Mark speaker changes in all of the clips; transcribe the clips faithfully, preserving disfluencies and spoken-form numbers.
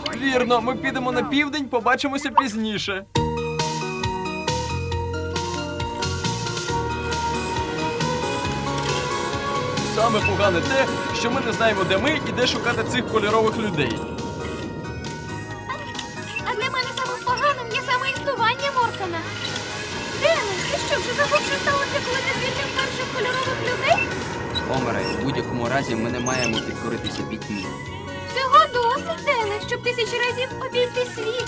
Speaker 1: Вірно, ми підемо на південь, побачимося пізніше. Саме погане те, що ми не знаємо, де ми і де шукати цих кольорових людей.
Speaker 2: А для мене самим поганим є саме існування Моркана. Дене, ти що, вже забув, що сталося, коли ти звільнив перших кольорових людей?
Speaker 3: Омере, у будь-якому разі ми не маємо підкоритися пітьмі.
Speaker 2: Цього досить, Дене, щоб тисячі разів обійти світ.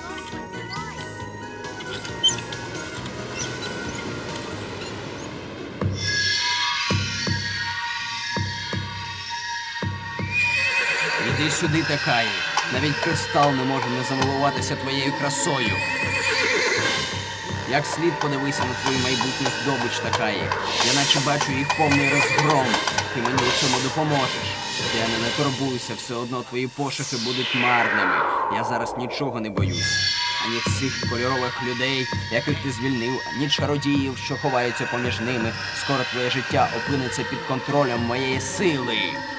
Speaker 3: Іди сюди, Такаї. Навіть кристал не може не замилуватися твоєю красою. Як слід подивися на твою майбутню здобич, Такаї. Я наче бачу їх повний розгром. Ти мені у цьому допоможеш. Я не, не турбуйся, все одно твої пошуки будуть марними. Я зараз нічого не боюсь. Ані цих кольорових людей, яких ти звільнив, ані чародіїв, що ховаються поміж ними. Скоро твоє життя опиниться під контролем моєї сили.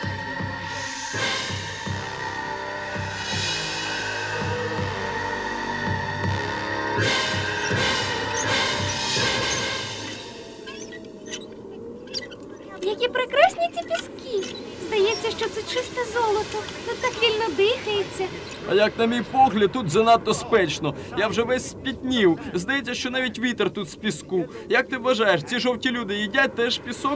Speaker 2: Які прекрасні ці піски. Здається, що це чисте золото. Тут так вільно дихається.
Speaker 1: А як на мій погляд, тут занадто спечно. Я вже весь спітнів. Здається, що навіть вітер тут з піску. Як ти вважаєш, ці жовті люди їдять теж пісок?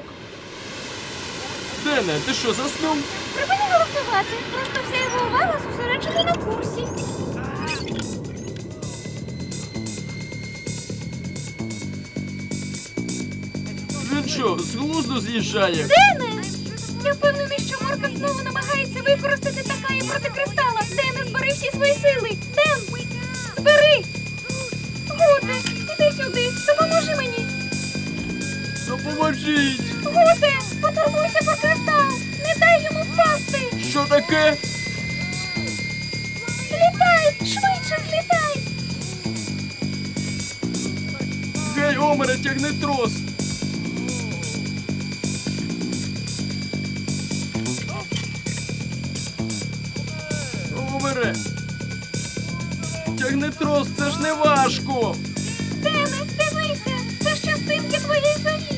Speaker 1: Дене, ти що, заснув?
Speaker 2: Припини голосувати. Просто вся його увага зосереджена на курсі.
Speaker 1: Він що, з глузду з'їжджає?
Speaker 2: Дене! Я впевнений, що Моркан знову намагається використати Такаї проти кристала. Дене, збери всі свої сили. Ден, збери! Гуте, іди сюди, допоможи мені.
Speaker 1: Допоможіть!
Speaker 2: Гуте, потурбуйся про кристал. Не дай йому впасти.
Speaker 1: Що таке?
Speaker 2: Злітай, швидше злітай.
Speaker 1: Гей, Омере, тягни трос! Омере! Тягни трос, це ж не важко!
Speaker 2: Дене, дивися, це ж частинки твоєї зорі.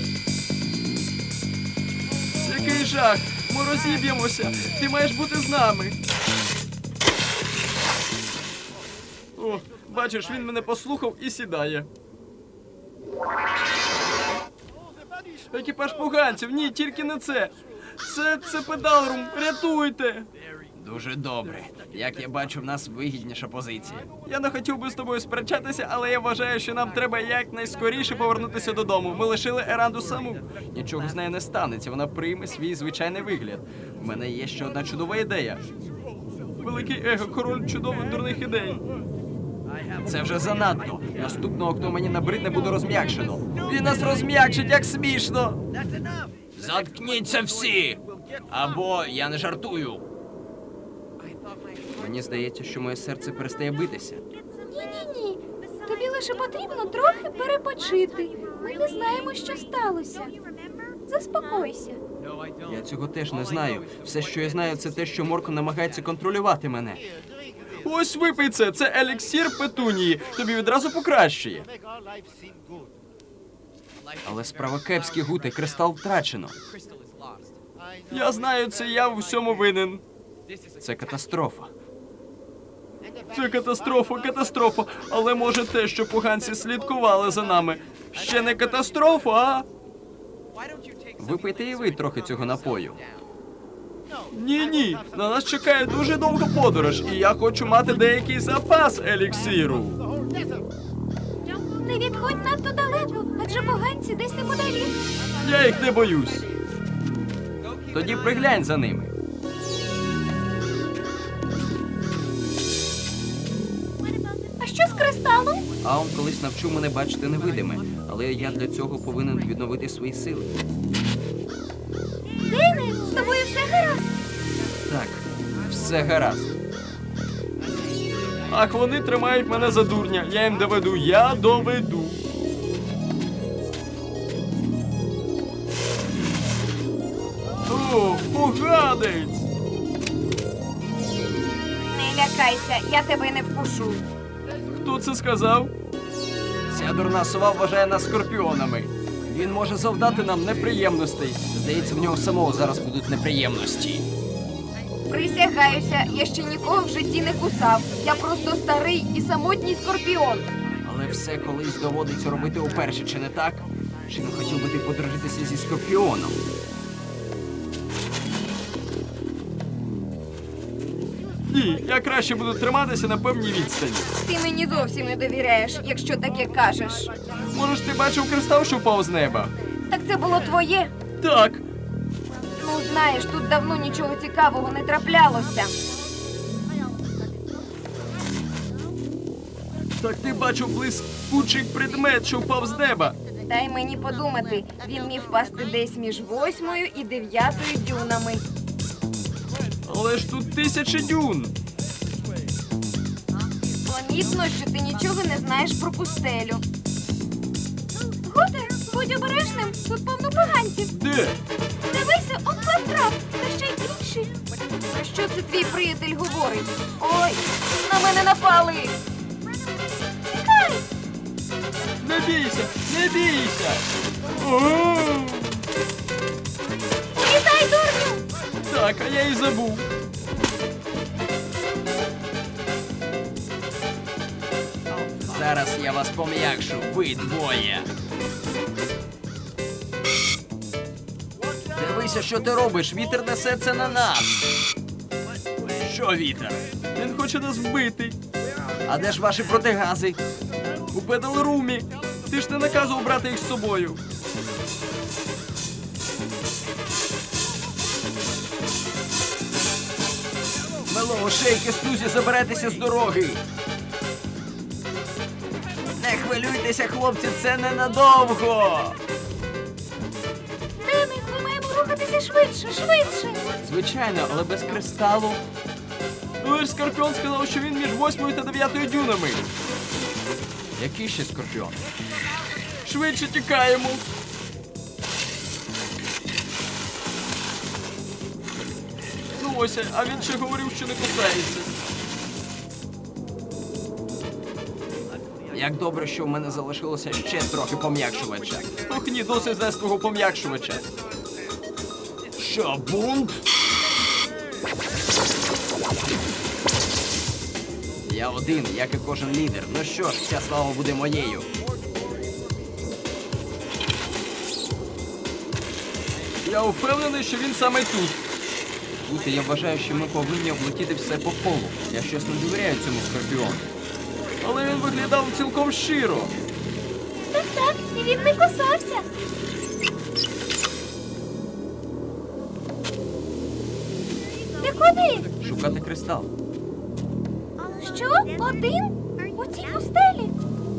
Speaker 1: Який жах! Ми розіб'ємося! Ти маєш бути з нами! О, бачиш, він мене послухав і сідає. Екіпаж поганців! Ні, тільки не це! Це, це педалрум! Рятуйте!
Speaker 3: Дуже добре. Як я бачу, в нас вигідніша позиція.
Speaker 1: Я не хотів би з тобою сперечатися, але я вважаю, що нам треба якнайскоріше повернутися додому. Ми лишили Еранду саму. Нічого з нею не станеться, вона прийме свій звичайний вигляд. У мене є ще одна чудова ідея. Великий его, король чудових дурних ідей.
Speaker 3: Це вже занадто. Наступного, хто мені набридне, буде розм'якшено. Він нас розм'якшить, як смішно. Заткніться всі! Або я не жартую. Мені здається, що моє серце перестає битися.
Speaker 2: Ні-ні-ні. Тобі лише потрібно трохи перепочити. Ми не знаємо, що сталося. Заспокойся.
Speaker 3: Я цього теж не знаю. Все, що я знаю, це те, що Моркан намагається контролювати мене.
Speaker 1: Ось випий це, це еліксір петунії. Тобі відразу покращує.
Speaker 3: Але справа кепські, Гуте, кристал втрачено.
Speaker 1: Я знаю, це я в усьому винен.
Speaker 3: Це катастрофа.
Speaker 1: Це катастрофа, катастрофа. Але може те, що поганці слідкували за нами. Ще не катастрофа, а?
Speaker 3: Випийте і ви трохи цього напою.
Speaker 1: Ні-ні, на нас чекає дуже довга подорож, і я хочу мати деякий запас еліксиру.
Speaker 2: Не відходь надто далеко, адже поганці десь неподалік.
Speaker 1: Я їх не боюсь.
Speaker 3: Тоді приглянь за ними.
Speaker 2: А що з кристалом?
Speaker 3: Аун колись навчив мене бачити невидиме, але я для цього повинен відновити свої сили.
Speaker 2: Дене, з тобою все гаразд?
Speaker 3: Так, все гаразд.
Speaker 1: Ах, вони тримають мене за дурня. Я їм доведу, я доведу. О, поганець!
Speaker 2: лякайся, я тебе не вкушу.
Speaker 1: Хто це сказав? Ця дурна сова вважає нас скорпіонами. Він може завдати нам неприємностей. Здається, в нього самого зараз будуть неприємності.
Speaker 2: Присягаюся, я ще нікого в житті не кусав. Я просто старий і самотній скорпіон.
Speaker 1: Але все колись доводиться робити уперше, чи не так? Чи не хотів би ти подружитися зі скорпіоном? Ні, я краще буду триматися на певній відстані.
Speaker 2: Ти мені зовсім не довіряєш, якщо таке кажеш.
Speaker 1: Може ж ти бачив кристал, що впав з неба?
Speaker 2: Так це було твоє?
Speaker 1: Так.
Speaker 2: Ну, знаєш, тут давно нічого цікавого не траплялося.
Speaker 1: Так ти бачив блискучий предмет, що впав з неба.
Speaker 2: Дай мені подумати, він міг впасти десь між восьмою і дев'ятою дюнами.
Speaker 1: Але ж тут тисячі дюн.
Speaker 2: Помітно, що ти нічого не знаєш про пустелю. Гутер, будь обережним, тут повно поганців.
Speaker 1: Де?
Speaker 2: Дивися, он клаптрап, та ще й інший. Про що це твій приятель говорить? Ой, на мене напали. Тікай!
Speaker 1: Не бійся, не бійся. О!
Speaker 2: Літай, дурню!
Speaker 1: Так, а я і забув. Зараз я вас пом'якшу, ви двоє. Дивися, що ти робиш, вітер несе це на нас. Що вітер? Він хоче нас вбити. А де ж ваші протигази? У педалрумі. Ти ж не наказував брати їх з собою. Мело, шейки, стузі, заберетеся з дороги. Не хвилюйтеся, хлопці, це ненадовго.
Speaker 2: Дени, ми маємо рухатися швидше, швидше.
Speaker 1: Звичайно, але без кристалу. Ну, ж Скорпіон сказав, що він між восьмою та дев'ятою дюнами. Який ще Скорпіон? Швидше тікаємо. Ну ось, а він ще говорив, що не кусається. Як добре, що в мене залишилося ще трохи пом'якшувача. Ох ні, досить з твого пом'якшувача. Що, бунт? Я один, як і кожен лідер. Ну що ж, вся слава буде моєю. Я впевнений, що він саме тут. Тут я вважаю, що ми повинні облетіти все по колу. Я щось не довіряю цьому Скорпіону. Але він виглядав цілком щиро.
Speaker 2: Так, так, і він не кусався. Ти куди?
Speaker 1: Шукати кристал.
Speaker 2: Що? Один? У цій пустелі?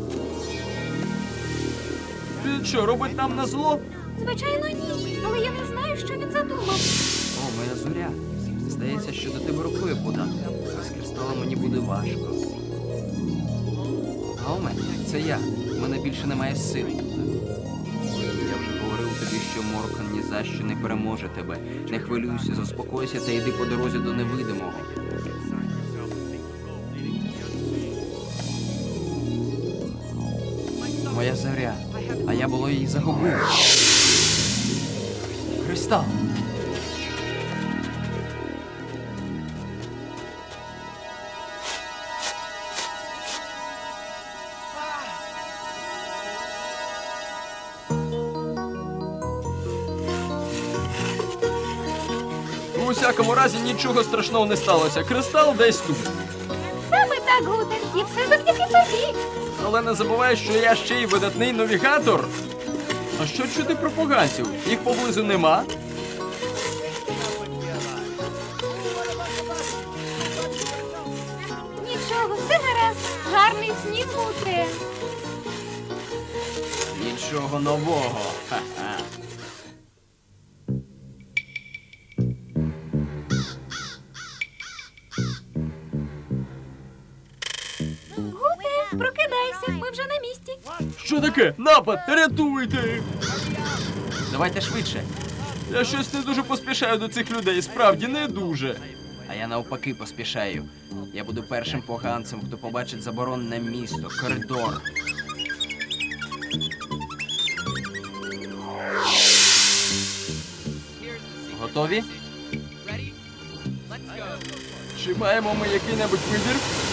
Speaker 1: Він що, робить нам на зло?
Speaker 2: Звичайно, ні. Але я не знаю, що він задумав.
Speaker 1: О, моя зоря. Здається, що до тебе рукою подати. Без кристала мені буде важко. Галме, це я. У мене більше немає сил. Я вже говорив тобі, що Моркан ні за що не переможе тебе. Не хвилюйся, заспокойся та йди по дорозі до невидимого. Моя зоря, а я було її загубив. Кристал. У всякому разі нічого страшного не сталося. Кристал десь тут.
Speaker 2: Саме так, Гутер, і все завдяки тобі.
Speaker 1: Але не забувай, що я ще й видатний навігатор. А що чути про поганців? Їх поблизу нема?
Speaker 2: Нічого, все гаразд. Гарний сніг, Гутре.
Speaker 1: Нічого нового. Ха-ха.
Speaker 2: Гутре, прокидайся, ми вже на місці.
Speaker 1: Що таке? Напад! Рятуйте! Давайте швидше. Я щось не дуже поспішаю до цих людей, справді не дуже.
Speaker 3: А я навпаки поспішаю. Я буду першим поганцем, хто побачить заборонене місто, коридор.
Speaker 1: Готові? Чи маємо ми який-небудь вибір?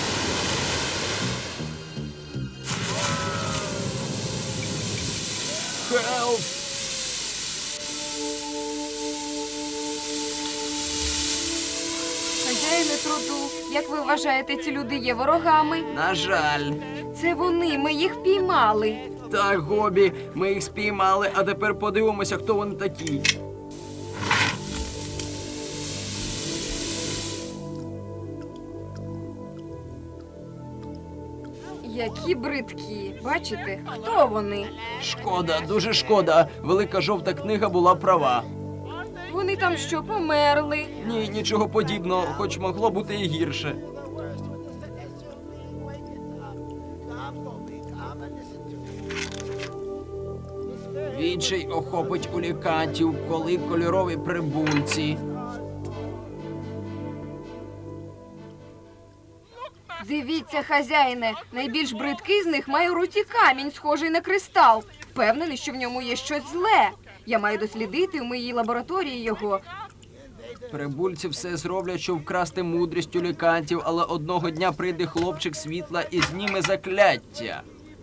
Speaker 1: Хелп!
Speaker 2: Хазяїне труду, як ви вважаєте, ці люди є ворогами?
Speaker 3: На жаль.
Speaker 2: Це вони, ми їх піймали.
Speaker 3: Так, Гобі, ми їх спіймали, а тепер подивимося, хто вони такі.
Speaker 2: Які бридкі. Бачите, хто вони?
Speaker 3: Шкода, дуже шкода. Велика жовта книга була права.
Speaker 2: Вони там що, померли?
Speaker 1: Ні, нічого подібного, хоч могло бути і гірше.
Speaker 3: Відчай охопить улікантів, коли кольорові прибульці.
Speaker 2: Дивіться, хазяїне, найбільш бридкий з них має у руці камінь, схожий на кристал. Впевнений, що в ньому є щось зле. Я маю дослідити в моїй лабораторії його.
Speaker 3: Прибульці все зроблять, щоб вкрасти мудрість улікантів, але одного дня прийде хлопчик світла і зніме закляття.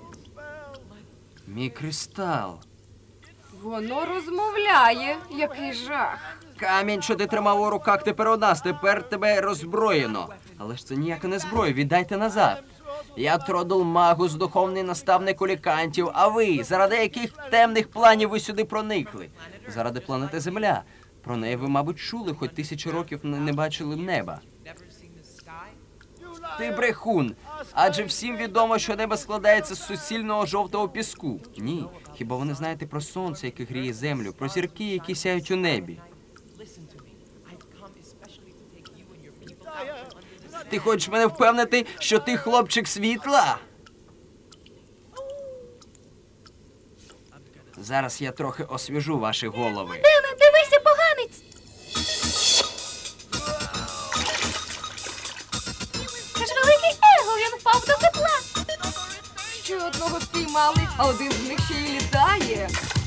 Speaker 3: Мій кристал.
Speaker 2: Воно розмовляє. Який жах.
Speaker 3: Камінь, що ти тримав у руках, тепер у нас, тепер тебе роззброєно. Але ж це ніяка не зброя, віддайте назад. Я Тродл Магус, духовний наставник улікантів, а ви, заради яких темних планів ви сюди проникли? Заради планети Земля. Про неї ви, мабуть, чули, хоч тисячу років не не бачили неба. Ти брехун, адже всім відомо, що небо складається з суцільного жовтого піску. Ні, хіба ви не знаєте про сонце, яке гріє землю, про зірки, які сяють у небі? Ти хочеш мене впевнити, що ти хлопчик світла? Зараз я трохи освіжу ваші голови.
Speaker 2: Дене, дивися, поганець! Це ж великий его, він впав до тепла. Ще одного спіймали, а один з них ще й літає.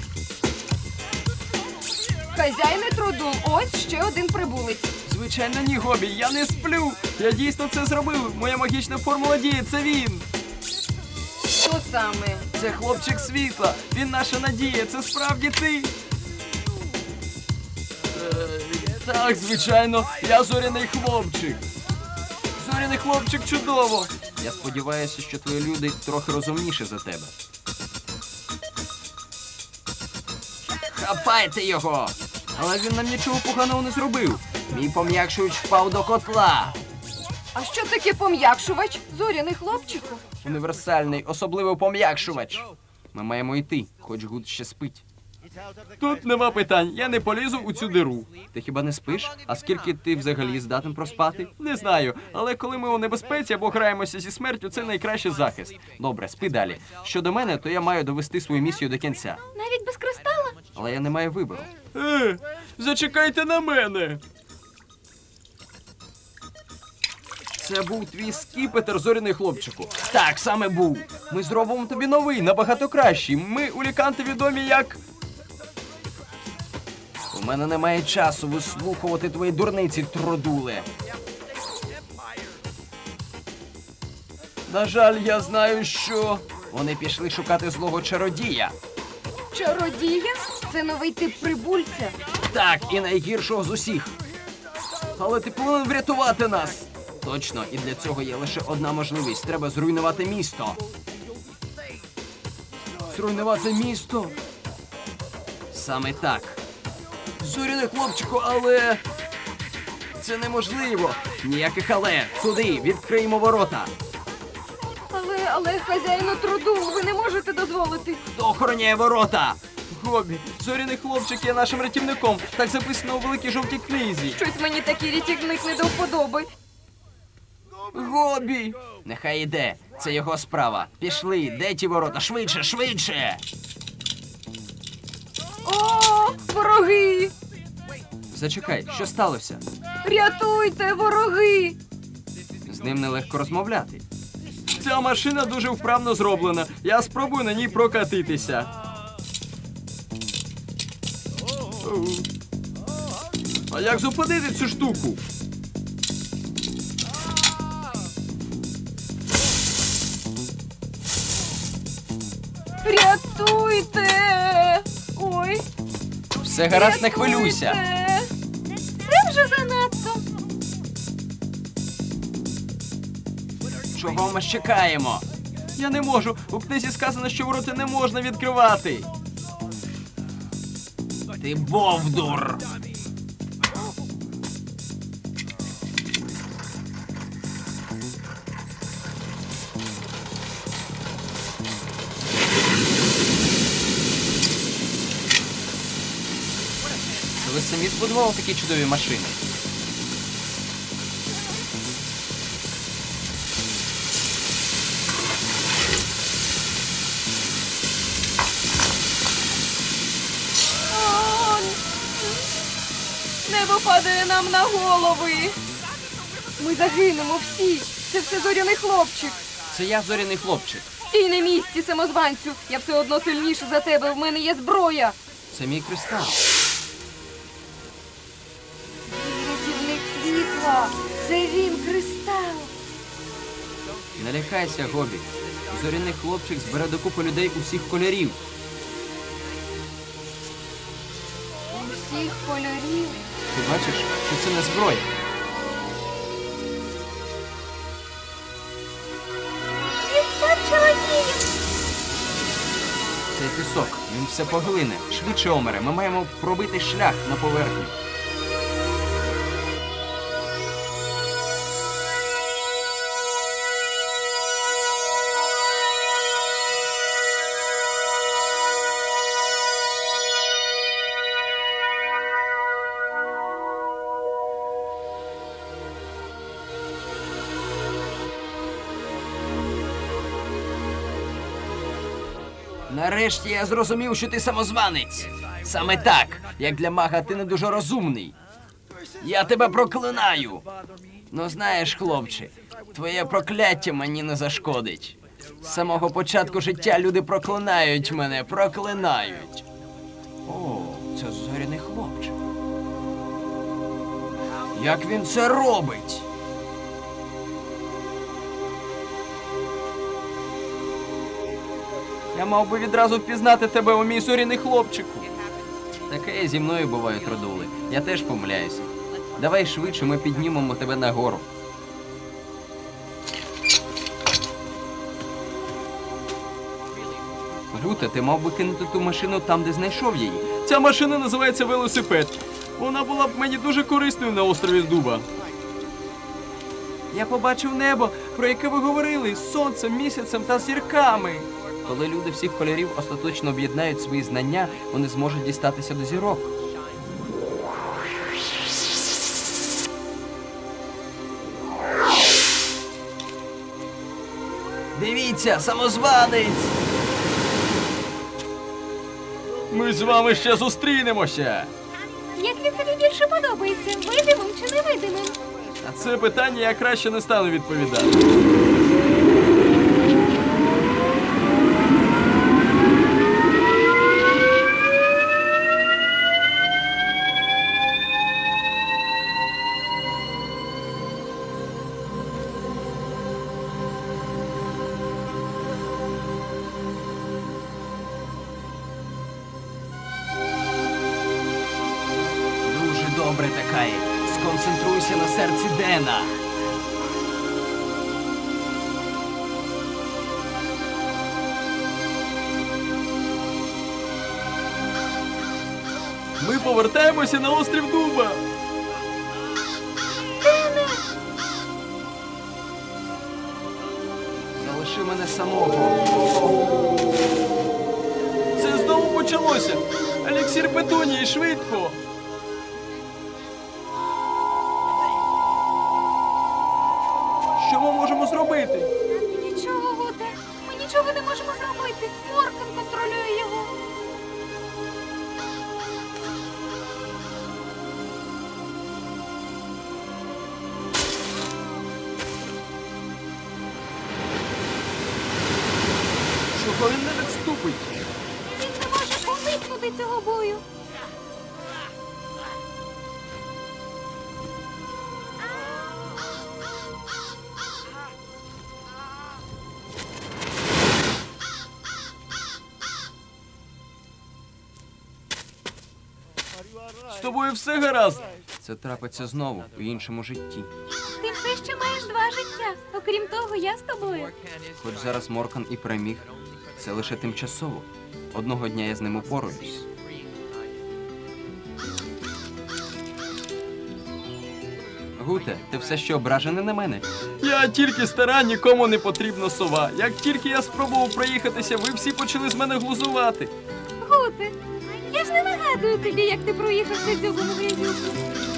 Speaker 2: Хазяїне труду, ось ще один прибулець.
Speaker 1: Звичайно, ні, Гобі, я не сплю. Я дійсно це зробив. Моя магічна формула діє, це він.
Speaker 2: Що саме?
Speaker 1: Це хлопчик світла. Він наша надія. Це справді ти. Е, так, звичайно, я зоряний хлопчик. Зоряний хлопчик чудово.
Speaker 3: Я сподіваюся, що твої люди трохи розумніші за тебе. Хапайте його!
Speaker 1: Але він нам нічого поганого не зробив.
Speaker 3: Мій пом'якшуюч впав до котла.
Speaker 2: А що таке пом'якшувач? Зоряний хлопчику?
Speaker 3: Універсальний, особливий пом'якшувач. Ми маємо йти, хоч Гуд ще спить.
Speaker 1: Тут нема питань. Я не полізу у цю диру.
Speaker 3: Ти хіба не спиш? А скільки ти взагалі здатен проспати?
Speaker 1: Не знаю, але коли ми у небезпеці або граємося зі смертю, це найкращий захист.
Speaker 3: Добре, спи далі. Щодо мене, то я маю довести свою місію до кінця.
Speaker 2: Навіть без кристала?
Speaker 3: Але я не маю вибору.
Speaker 1: Е, зачекайте на мене. Це був твій скіпетр, зоряний хлопчику.
Speaker 3: Так, саме був.
Speaker 1: Ми зробимо тобі новий, набагато кращий. Ми, уліканти, відомі як...
Speaker 3: У мене немає часу вислухувати твої дурниці, трудуле.
Speaker 1: На жаль, я знаю, що...
Speaker 3: Вони пішли шукати злого чародія.
Speaker 2: Чародія? Це новий тип прибульця.
Speaker 3: Так, і найгіршого з усіх.
Speaker 1: Але ти повинен врятувати нас.
Speaker 3: Точно, і для цього є лише одна можливість. Треба зруйнувати місто.
Speaker 1: Зруйнувати місто.
Speaker 3: Саме так.
Speaker 1: Зоряний хлопчику, але...
Speaker 3: Це неможливо. Ніяких але. Туди, відкриємо ворота.
Speaker 2: Але, але, хазяїну труду, ви не можете дозволити.
Speaker 3: Хто охороняє ворота?
Speaker 1: Гобі, зоряний хлопчик є нашим рятівником. Так записано у великій жовтій книзі.
Speaker 2: Щось мені такий рятівник не до вподоби.
Speaker 1: Гобі!
Speaker 3: Нехай іде. Це його справа. Пішли, де ті ворота? Швидше, швидше!
Speaker 2: О, вороги!
Speaker 3: Зачекай, що сталося?
Speaker 2: Рятуйте, вороги!
Speaker 1: З ним нелегко розмовляти. Ця машина дуже вправно зроблена. Я спробую на ній прокатитися. Оу. А як зупинити цю штуку?
Speaker 2: Рятуйте! Ой,
Speaker 1: Все гаразд, не хвилюйся.
Speaker 2: рятуйте! Це вже занадто.
Speaker 1: Чого ми чекаємо? Я не можу. У книзі сказано, що ворота не можна відкривати. Ти бовдур. Ви самі збудували такі чудові машини.
Speaker 2: О, небо падає нам на голови. Ми загинемо всі. Це все зоряний хлопчик.
Speaker 1: Це я, зоряний хлопчик.
Speaker 2: Стій на місці, самозванцю. Я все одно сильніше за тебе. В мене є зброя.
Speaker 1: Це мій кристал.
Speaker 2: Рятівник світла. Це він, кристал.
Speaker 1: Не лякайся, Гобі. Зоряний хлопчик збере докупи людей усіх кольорів.
Speaker 2: Усіх кольорів.
Speaker 1: Ти бачиш, що це не зброя.
Speaker 2: Він став чоловіком.
Speaker 1: Цей пісок, він все поглине. Швидше, Омере, ми маємо пробити шлях на поверхню. Нарешті я зрозумів, що ти самозванець. Саме так, як для мага ти не дуже розумний. Я тебе проклинаю. Ну знаєш, хлопче, твоє прокляття мені не зашкодить. З самого початку життя люди проклинають мене, проклинають. О, це зоряний хлопчик. Як він це робить? Я мав би відразу впізнати тебе, о мій зоряний хлопчику. Таке зі мною буває, трудули. Я теж помиляюся. Давай швидше, ми піднімемо тебе нагору. Гута, ти мав би кинути ту машину там, де знайшов її. Ця машина називається велосипед. Вона була б мені дуже корисною на острові Дуба. Я побачив небо, про яке ви говорили, з сонцем, місяцем та зірками. Коли люди всіх кольорів остаточно об'єднають свої знання, вони зможуть дістатися до зірок. Дивіться, самозванець! Ми з вами ще зустрінемося!
Speaker 2: Як він тобі більше подобається, видимим чи невидимим?
Speaker 1: На це питання я краще не стану відповідати. Дуже добре, Такаї. Сконцентруйся на серці Дена. Ми повертаємося на острів Дуба. Залиши мене самого. Це знову почалося. Еліксір Петунії, швидко. Що ми можемо зробити?
Speaker 2: Нічого, Гуте. Ми нічого не можемо зробити. Моркан контролює його.
Speaker 1: довго, він не відступить.
Speaker 2: Він не може уникнути цього бою.
Speaker 1: З тобою все гаразд. Це трапиться знову у іншому житті.
Speaker 2: Ти все ще маєш два життя. Окрім того, я з тобою.
Speaker 1: Хоч зараз Моркан і переміг, це лише тимчасово. Одного дня я з ним упораюсь. Гуте, ти все ще ображений на мене? Я тільки стара, нікому не потрібна сова. Як тільки я спробував проїхатися, ви всі почали з мене глузувати.
Speaker 2: Гуте, я ж не нагадую тобі, як ти проїхався дзьобом грязюку.